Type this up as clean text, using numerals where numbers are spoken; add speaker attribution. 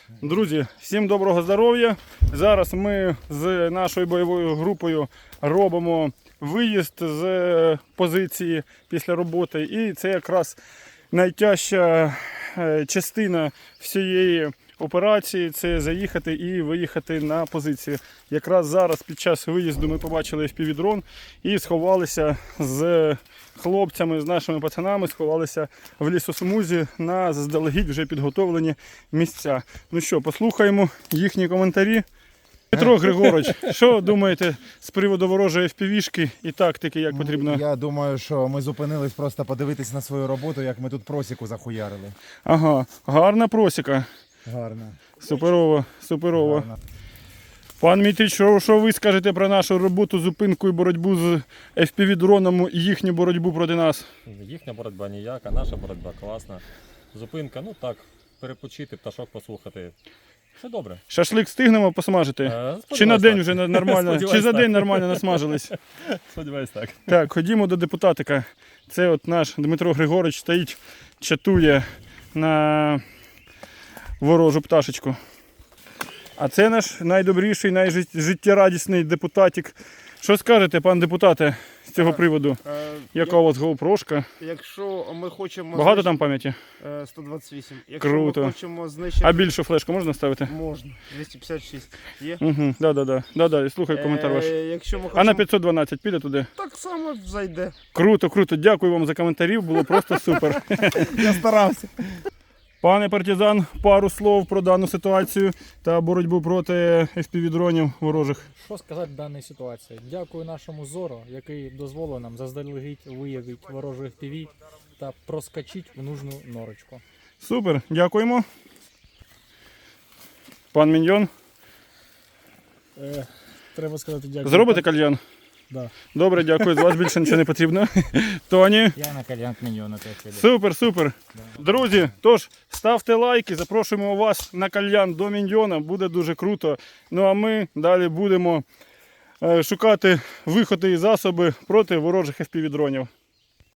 Speaker 1: Друзі, всім доброго здоров'я. Зараз ми з нашою бойовою групою робимо виїзд з позиції після роботи. І це якраз найтяжча частина всієї операції – це заїхати і виїхати на позицію. Якраз зараз під час виїзду ми побачили FPV-дрон і сховалися з хлопцями, з нашими пацанами, сховалися в лісосмузі на заздалегідь вже підготовлені місця. Ну що, послухаємо їхні коментарі. Дмитро Григорович, що думаєте з приводу ворожої FPV-шки і тактики, як потрібно?
Speaker 2: Я думаю, що ми зупинились просто подивитись на свою роботу, як ми тут просіку захуярили.
Speaker 1: Ага, гарна просіка.
Speaker 2: Гарно.
Speaker 1: Суперово, суперово.
Speaker 2: Гарно.
Speaker 1: Пан Мітрич, що ви скажете про нашу роботу, зупинку і боротьбу з FPV-дроном і їхню боротьбу проти нас?
Speaker 3: Їхня боротьба ніяка, наша боротьба класна. Зупинка, ну так, перепочити, пташок послухати. Все добре.
Speaker 1: Шашлик встигнемо посмажити? Чи на день вже нормально? Чи за день нормально насмажились?
Speaker 3: Сподіваюсь, так.
Speaker 1: Так, ходімо до депутатика. Це от наш Дмитро Григорович стоїть, чатує на ворожу пташечку. А це наш найдобріший, найжиттєрадісний депутатик. Що скажете, пан депутате, з цього приводу? Яка у вас GoPro-шка?
Speaker 4: Якщо ми хочемо...
Speaker 1: Багато там пам'яті?
Speaker 4: 128. Якщо
Speaker 1: Круто.
Speaker 4: ми хочемо знищити...
Speaker 1: А більшу флешку можна ставити?
Speaker 4: Можна. 256 є.
Speaker 1: Угу, да. Слухай коментар ваш.
Speaker 4: Якщо ми хочемо...
Speaker 1: А на 512 піде туди?
Speaker 4: Так само зайде.
Speaker 1: Круто, круто. Дякую вам за коментарі, було просто супер.
Speaker 2: Я старався.
Speaker 1: Пане партизан, пару слов про дану ситуацію та боротьбу проти FPV-дронів ворожих.
Speaker 5: Що сказати в даній ситуації? Дякую нашому Зоро, який дозволив нам заздалегідь виявити ворожу FPV та проскочити в нужну норочку.
Speaker 1: Супер, дякуємо. Пан Міньйон,
Speaker 5: Треба сказати дякую.
Speaker 1: зробите кальян?
Speaker 5: Да.
Speaker 1: Добре, дякую, з вас більше нічого не потрібно. Тоні.
Speaker 5: Я на кальян міньйона теж піду.
Speaker 1: Супер, супер. Друзі, тож ставте лайки, запрошуємо вас на кальян до Міньйона, буде дуже круто. Ну а ми далі будемо шукати виходи і засоби проти ворожих FPV-дронів.